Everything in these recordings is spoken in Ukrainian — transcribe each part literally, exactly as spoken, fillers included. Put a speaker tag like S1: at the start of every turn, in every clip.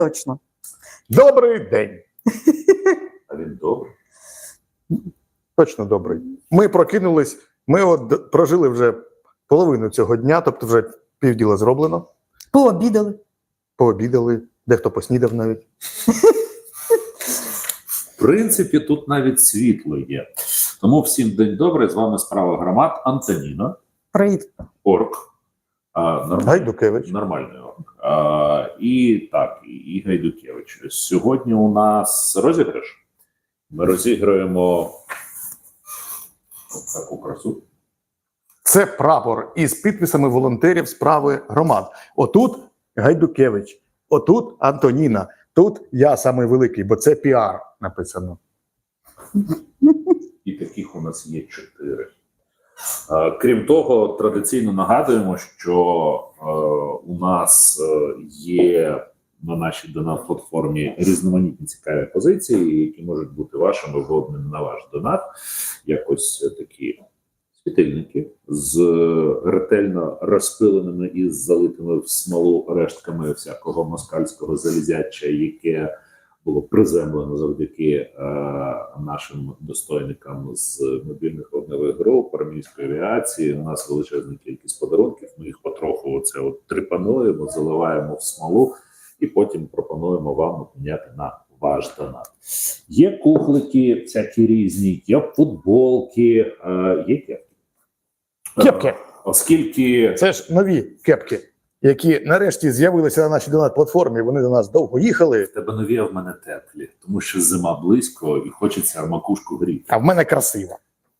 S1: Точно.
S2: Добрий день.
S3: А він добрий.
S2: Точно добрий. Ми прокинулись, ми от прожили вже половину цього дня, тобто вже півділа зроблено.
S1: Пообідали.
S2: Пообідали, дехто поснідав навіть.
S3: В принципі, тут навіть світло є. Тому всім день добрий, з вами справа громад Антоніна.
S1: Привіт.
S3: Орк. А, норм...
S2: Гайдукевич.
S3: Нормальний орк. А, і так, і Гайдукевич. Сьогодні у нас розіграш. Ми розіграємо таку красу.
S2: Це прапор із підписами волонтерів справи громад. Отут Гайдукевич, отут Антоніна, тут я самий великий, бо це піар написано.
S3: І таких у нас є чотири. Е, крім того, традиційно нагадуємо, що е, у нас е, є на нашій донат-платформі різноманітні цікаві позиції, які можуть бути вашими в обмін на ваш донат. Якось такі світильники з ретельно розпиленими і залитими в смолу рештками всякого москальського залізяча, яке було приземлено завдяки е, нашим достойникам з мобільних вогневих груп, армійської авіації. У нас величезна кількість подарунків. Ми їх потроху оце от трипануємо, заливаємо в смолу і потім пропонуємо вам обміняти на ваш донат. Є кухлики всякі різні, є футболки, е, є кепки.
S2: Кепки.
S3: Е, оскільки...
S2: Це ж нові кепки, які нарешті з'явилися на нашій донат-платформі. Вони до нас довго їхали.
S3: В тебе нові, а в мене теплі, тому що зима близько і хочеться макушку гріти.
S2: А в мене красиво.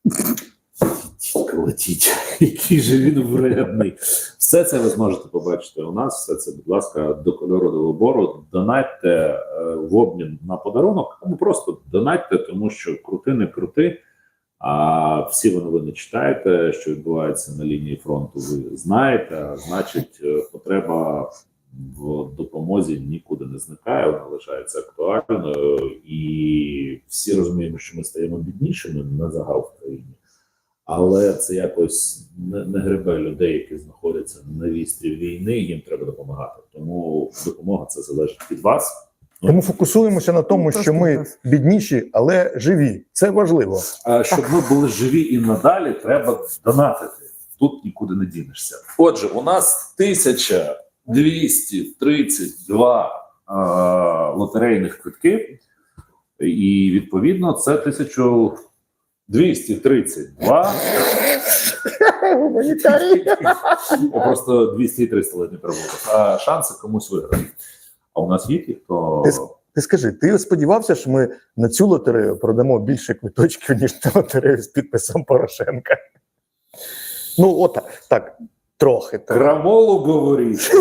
S3: Летіть, який же він вредний. Все це ви зможете побачити у нас. Все це, будь ласка, до кольору, до вибору. Донатьте е, в обмін на подарунок, або просто донатьте, тому що крути, не крути. А всі ви новини читаєте, що відбувається на лінії фронту, ви знаєте. А значить, потреба в допомозі нікуди не зникає, вона лишається актуальною. І всі розуміємо, що ми стаємо біднішими на загал в країні. Але це якось не, не гребе людей, які знаходяться на вістрі війни, їм треба допомагати. Тому допомога це залежить від вас.
S2: Тому фокусуємося на тому, що ми бідніші, але живі. Це важливо.
S3: А щоб ми були живі і надалі, треба донатити. Тут нікуди не дінешся. Отже, у нас тисяча двісті тридцять два е, лотерейних квитки. І, відповідно, це тисяча двісті тридцять два. Просто двісті і триста ледь не пробував. А шанси комусь виграти. А у нас є ті, хто...
S2: Ти, ти скажи, ти сподівався, що ми на цю лотерею продамо більше квиточків, ніж на лотерею з підписом Порошенка? Ну, от так, так трохи. Так.
S3: Крамолу говорить.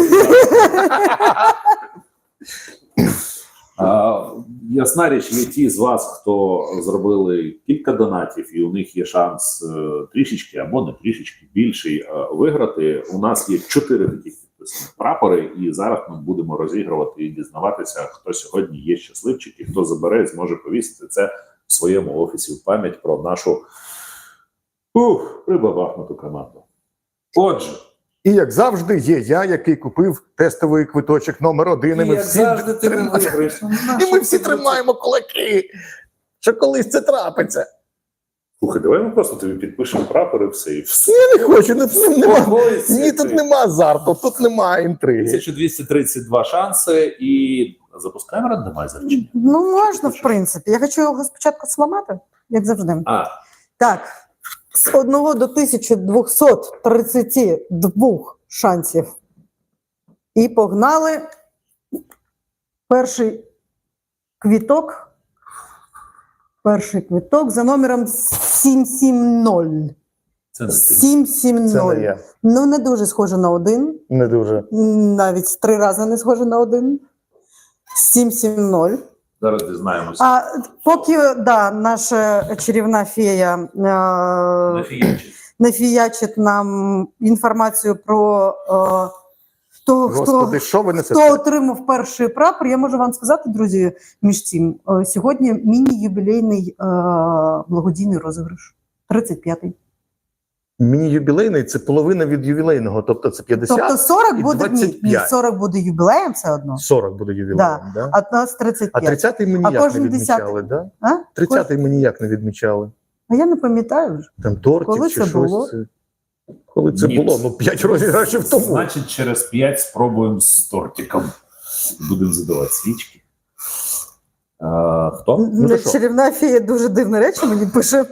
S3: А, ясна річ, є ті з вас, хто зробили кілька донатів, і у них є шанс е, трішечки або не трішечки більший е, виграти. У нас є чотири таких підписаних прапори, і зараз ми будемо розігрувати і дізнаватися, хто сьогодні є щасливчик, і хто забере, зможе повісити це в своєму офісі в пам'ять про нашу ух, прибабахнуту команду. Отже.
S2: І, як завжди, є я, який купив тестовий квиточок номер один. І, і ми всі
S3: завжди ти не виграєш.
S2: І ми всі тримаємо кулаки, що колись це трапиться.
S3: Слухай, давай ми просто тобі підпишемо прапор і все. І все.
S2: Я не хочу, не, нема, ні, тут нема азарту, тут нема інтриги.
S3: тисяча двісті тридцять два шанси і запускаємо рандомайзер.
S1: Ну, можна, в принципі. Я хочу його спочатку зламати, як завжди.
S3: А.
S1: Так, з одного до тисячі двохсот тридцяти двох шансів. І погнали. Перший квіток. Перший квіток за номером сім сім нуль.
S3: Це не ти.
S1: сім сім нуль.
S2: Це не я.
S1: Ну, не дуже схоже на один.
S2: Не дуже.
S1: Навіть три рази не схоже на один. сім сім нуль.
S3: Зараз дізнаємося.
S1: А поки, да, наша чарівна фея е,
S3: Нафіячить.
S1: нафіячить нам інформацію про е, того,
S2: Господи,
S1: хто,
S2: що ви несете?
S1: хто отримав перший прапор. Я можу вам сказати, друзі, між цим, е, сьогодні міні-юбілейний е, благодійний розіграш. тридцять п'ятий.
S2: Міні-юбілейний – це половина від ювілейного, тобто це п'ятдесят
S1: Тобто сорок
S2: і
S1: буде, ні,
S2: двадцять
S1: ні,
S2: п'ять.
S1: сорок буде юбілеєм все одно,
S2: сорок буде ювілеєм,
S1: Да.
S2: да?
S1: а у нас тридцять
S2: А
S1: п'ять.
S2: тридцятий ми
S1: А
S2: ніяк не
S1: кожен
S2: відмічали, да?
S1: А?
S2: тридцятий ми ніяк не відмічали.
S1: А я не пам'ятаю вже.
S2: Там тортик
S1: Коли
S2: чи
S1: це
S2: щось.
S1: було?
S2: Це... Коли це
S3: Ні.
S2: було? Ну, п'ять розіграшів тому.
S3: Значить, через п'ять спробуємо з тортиком. Будемо задавати свічки. А, хто?
S2: Ну, то що?
S1: Чарівна фея дуже дивне речі мені пише,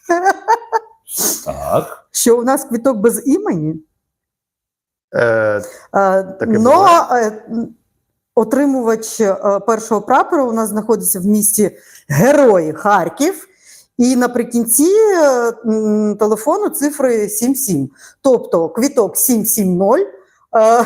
S3: Так.
S1: що у нас квіток без імені.
S2: Е,
S1: А,
S2: Таке
S1: но
S2: буває.
S1: е, отримувач е, першого прапору у нас знаходиться в місті Герої Харків. І наприкінці е, м, телефону цифри сім сім. Тобто квіток сім сім нуль е,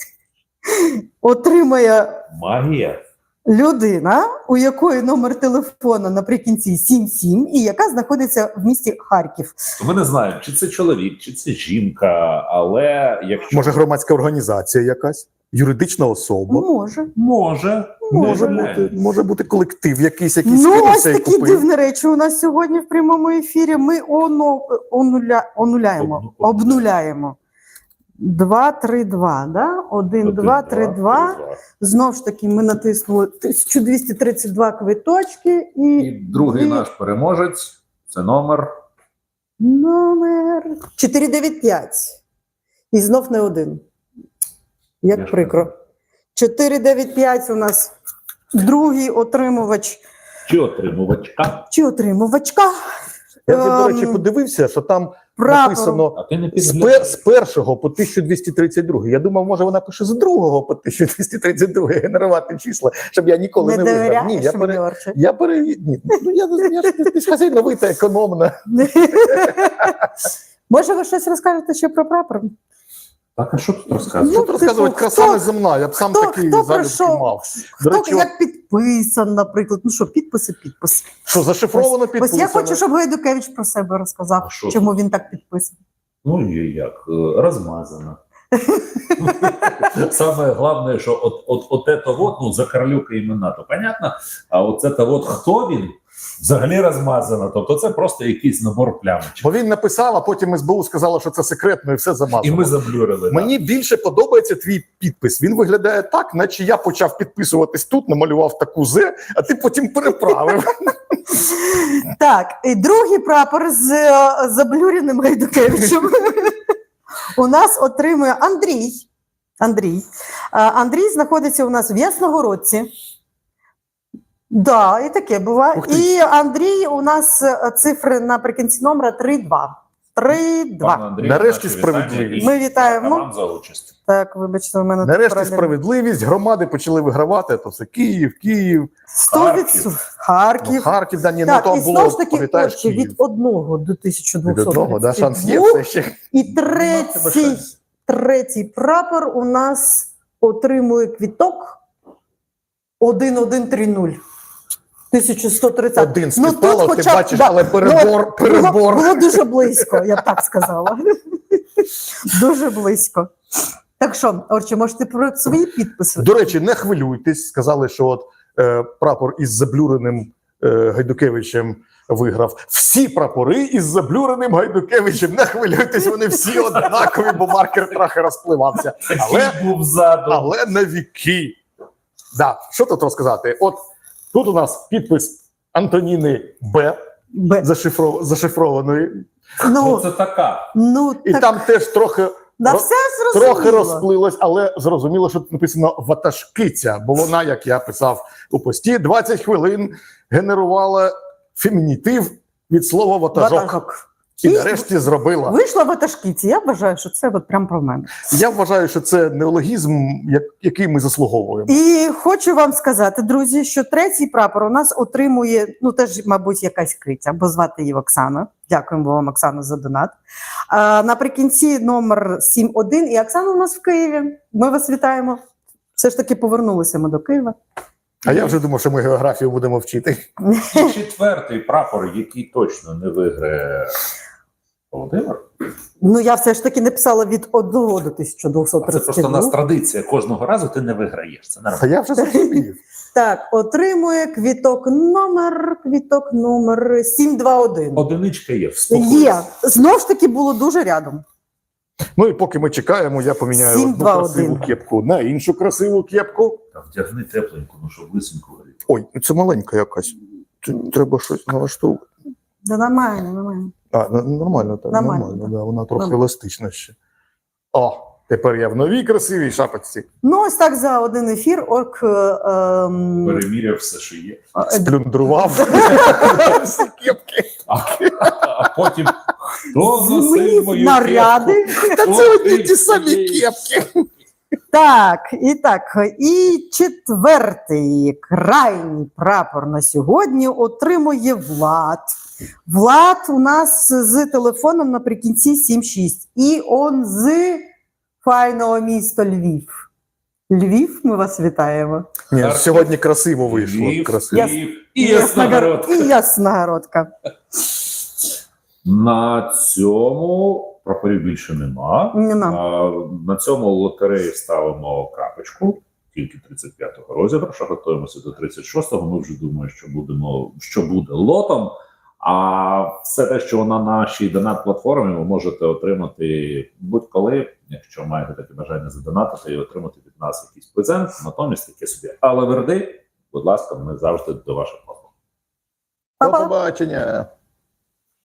S1: отримає
S3: Магія.
S1: людина, у якої номер телефону наприкінці сім сім, і яка знаходиться в місті Харків.
S3: Ми не знаємо, чи це чоловік, чи це жінка, але якщо
S2: може, громадська організація якась? Юридична особа?
S1: Може.
S3: може,
S2: Може
S3: може
S2: бути, може бути колектив якийсь, який
S1: Ну, ось
S2: скинувся і
S1: такі
S2: купив.
S1: дивні речі у нас сьогодні в прямому ефірі. Ми оно, онуля, онуляємо,
S3: Обну-
S1: обнуляємо. два, три, два, да? один, два, три, два. Знову ж таки, ми натиснули тисяча двісті тридцять два квиточки і,
S3: І другий
S1: і
S3: наш переможець це номер.
S1: номер чотири дев'ять п'ять. І знов не один. Як
S3: Я ж
S1: прикро. чотири дев'ять п'ять у нас другий отримувач
S3: Чи отримувачка?
S1: чи отримувачка.
S2: Я вже, до речі,
S1: Ем,
S2: подивився, що там
S1: прапору.
S2: написано
S3: А ти не
S2: з, пер, з
S3: підглядаєш.
S2: першого по тисяча двісті тридцять два. Я думав, може вона пише з другого по тисяча двісті тридцять два генерувати числа, щоб я ніколи
S1: Не
S2: не, виграв. Ні,
S1: довіряєш
S2: я
S1: мені,
S2: пере...
S1: Орче?
S2: Я пере... Ні, ну, я, я ж ти ж хазяйновита, економна.
S1: Може, ви щось розкажете ще про прапор?
S3: Так, а що тут розказувати?
S2: Що
S1: Ну,
S2: тут розказувати?
S1: типу,
S2: Краса
S1: хто-
S2: не земна, я б сам
S1: хто-
S2: такий
S1: хто
S2: залюбки
S1: прийшов?
S2: мав. До
S1: Хто
S2: речі,
S1: як підписан, наприклад? Ну що, підписи, підпис.
S2: що зашифровано
S1: Ось
S2: підписано.
S1: я хочу, щоб Гайдукевич про себе розказав,
S3: А що
S1: чому він так підписаний.
S3: Ну і як? Е, Розмазано. Саме головне, що от, от, от это вот, ну, за Карлюка імена, то понятно, а от це то от хто він, взагалі розмазано. Тобто це просто якийсь набор плямочок.
S2: Бо він написав, а потім ес бе у сказала, що це секретно, і все замазано.
S3: І ми заблюрили.
S2: Мені більше подобається твій підпис. Він виглядає так, наче я почав підписуватись тут, намалював таку зе, а ти потім переправив.
S1: Так, і другий прапор з е, заблюреним Гайдукевичем у нас отримує Андрій. Андрій. Е, Андрій знаходиться у нас в Ясногородці. Да, і таке буває.
S2: Ух ти.
S1: І Андрій у нас е, цифри наприкінці номера три два. три два.
S3: Пане Андрію,
S2: Нарешті
S3: наші
S2: справедливість.
S3: вітання і
S1: Ми вітаємо.
S3: дякую вам за участь.
S1: Так, вибачте, у мене тут
S2: Нарешті
S1: проблеми.
S2: справедливість, громади почали вигравати, то все Київ, Київ,
S1: сто відсотків.
S2: ну,
S1: Харків.
S2: Харків, да, ні,
S1: Так,
S2: ну
S1: і
S2: то
S1: знову
S2: було,
S1: ж таки,
S2: пам'ятаєш,
S1: Орче,
S2: Київ.
S1: від одного до тисяча
S2: Від
S1: двохсот
S2: одного, да, шанс є
S1: тридцять
S2: все ще.
S1: І
S3: Ну, тебе
S1: третій,
S3: шанс.
S1: третій прапор у нас отримує квіток один один три нуль. тисяча сто тридцять.
S2: Один
S1: Ну,
S2: співпало,
S1: тут
S2: ти
S1: хоча б,
S2: бачиш,
S1: да,
S2: але перебор,
S1: ну,
S2: перебор.
S1: Було, було дуже близько, я б так сказала. Дуже близько. Так що, Орче, може ти про свої підписи?
S2: До речі, не хвилюйтесь. Сказали, що от е, прапор із заблюреним е, Гайдукевичем виграв. Всі прапори із заблюреним Гайдукевичем. Не хвилюйтесь, вони всі однакові, бо маркер трохи розпливався. Але,
S3: Такий був ззаду.
S2: але на віки. Да, що тут розказати? От тут у нас підпис Антоніни Б.
S1: Б.
S2: Зашифров... зашифрованої.
S3: Ну,
S1: Ну,
S3: це така.
S1: ну
S2: І
S1: так,
S2: там теж трохи,
S1: да
S2: ро-
S1: все зрозуміло.
S2: трохи розплилось, але зрозуміло, що тут написано ватажкиця, бо вона, як я писав у пості, двадцять хвилин генерувала фемінітив від слова ватажок.
S1: Ватажок.
S2: І
S1: І
S2: нарешті зробила.
S1: Вийшла ватажкиці. Я вважаю, що це от прям про мене.
S2: Я вважаю, що це неологізм, як- який ми заслуговуємо.
S1: І хочу вам сказати, друзі, що третій прапор у нас отримує, ну теж, мабуть, якась криця, бо звати її Оксана. Дякуємо вам, Оксана, за донат. А, наприкінці номер сім один. І Оксана у нас в Києві. Ми вас вітаємо. Все ж таки повернулися ми до Києва.
S2: А я вже думав, що ми географію будемо вчити.
S3: І четвертий прапор, який точно не виграє Володимир.
S1: Ну, я все ж таки написала від одного до тисяча двохсот
S3: А це
S1: тридцять
S3: просто у нас
S1: два.
S3: традиція. Кожного разу ти не виграєш. Це
S2: Та
S3: нормально.
S2: я вже зрозумів.
S1: Так, отримує квіток номер, квіток номер сім два один.
S3: Одиничка є.
S1: Є.
S3: Вспокойся.
S1: Знову ж таки було дуже рядом.
S2: Ну і поки ми чекаємо, я поміняю
S1: Сім,
S2: одну
S1: два,
S2: красиву
S1: один.
S2: кепку на іншу красиву кепку.
S3: Та вдягни тепленьку, ну щоб лисеньку горіти.
S2: Ой, це маленька якась. Це треба щось налаштовувати.
S1: Да нормально, нормально.
S2: А, н- нормально, так,
S1: Нормально,
S2: нормально,
S1: так.
S2: да, вона трохи
S1: Нормально.
S2: еластична ще. О, тепер я в новій красивій шапочці.
S1: Ну, ось так за один ефір орк е, ем,
S3: Переміряв все, що є.
S1: е,
S2: Сплюндрував всі кепки.
S3: А, а потім хто носив
S1: змінив
S3: мою
S1: наряди.
S3: кепку?
S2: Та
S3: Хто
S2: це одні
S3: ти
S2: ті самі
S3: цієї
S2: кепки.
S1: Так, і так, і четвертий крайній прапор на сьогодні отримує Влад. Влад у нас з телефоном наприкінці сім шість. І он з файного міста Львів. Львів, ми вас вітаємо.
S2: Ні,
S3: Харків.
S2: сьогодні красиво вийшло.
S3: Львів,
S2: Красиво.
S3: Київ і Ясногородка.
S1: І Ясногородка.
S3: На цьому прапорів більше нема.
S1: Нема.
S3: А, на цьому лотереї ставимо крапочку. Тільки тридцять п'ятого розіграшу. Готуємося до тридцять шостого. Ми вже думаємо, що будемо, що буде лотом. А все те, що на нашій донат-платформі, ви можете отримати будь-коли, якщо маєте таке бажання задонатити і отримати від нас якийсь презент, натомість таке собі. Але верди, будь ласка, ми завжди до ваших послуг.
S2: До
S1: Па-па.
S2: побачення.